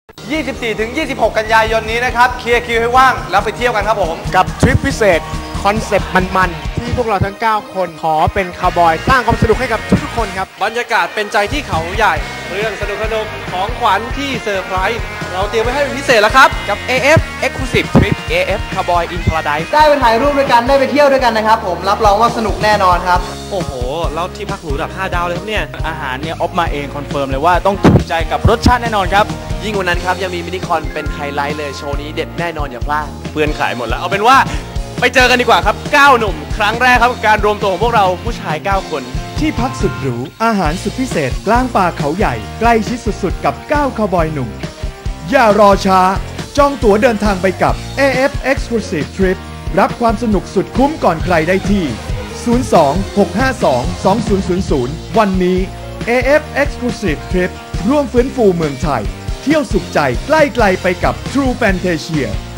24-26 กันยายนนี้นะครับเคลียร์คิวให้ว่างแล้วไปเที่ยวกันครับผมกับทริปพิเศษคอนเซปต์มันๆที่พวกเราทั้ง9คนขอเป็นคาวบอยสร้างความสนุกให้กับทุกๆคนครับบรรยากาศเป็นใจที่เขาใหญ่เรื่องสนุกของขวัญที่เซอร์ไพรส์เราเตรียมไว้ให้เป็นพิเศษแล้วครับกับ AF Exclusive Trip AF Cowboy in Paradise ได้ไปถ่ายรูปด้วยกันได้ไปเที่ยวด้วยกันนะครับผมรับรองว่าสนุกแน่นอนครับโอ้โหแล้วที่พักหรูระดับ5 ดาวเลยครับเนี่ยอาหารเนี่ยออฟมาเองคอนเฟิร์มเลยว่าต้องถูกใจกับรสชาติแน่นอนครับยิ่งกว่านั้นครับยังมีมินิคอนเป็นไฮไลท์เลยโชว์นี้เด็ดแน่นอนอย่าพลาดเพื่อนขายหมดแล้วเอาเป็นว่าไปเจอกันดีกว่าครับ9หนุ่มครั้งแรกครับกับการรวมตัวของพวกเราผู้ชาย9คนที่พักสุดหรูอาหารสุดพิเศษกลางป่าเขาใหญ่ใกล้ชิดสุดๆกับ9คาวบอยหนุ่มอย่ารอช้าจองตั๋วเดินทางไปกับ AF Exclusive Trip รับความสนุกสุดคุ้มก่อนใครได้ที่ 02-652-2000 วันนี้ AF Exclusive Trip ร่วมฟื้นฟูเมืองไทยเที่ยวสุขใจใกล้ไกลไปกับ True Fantasia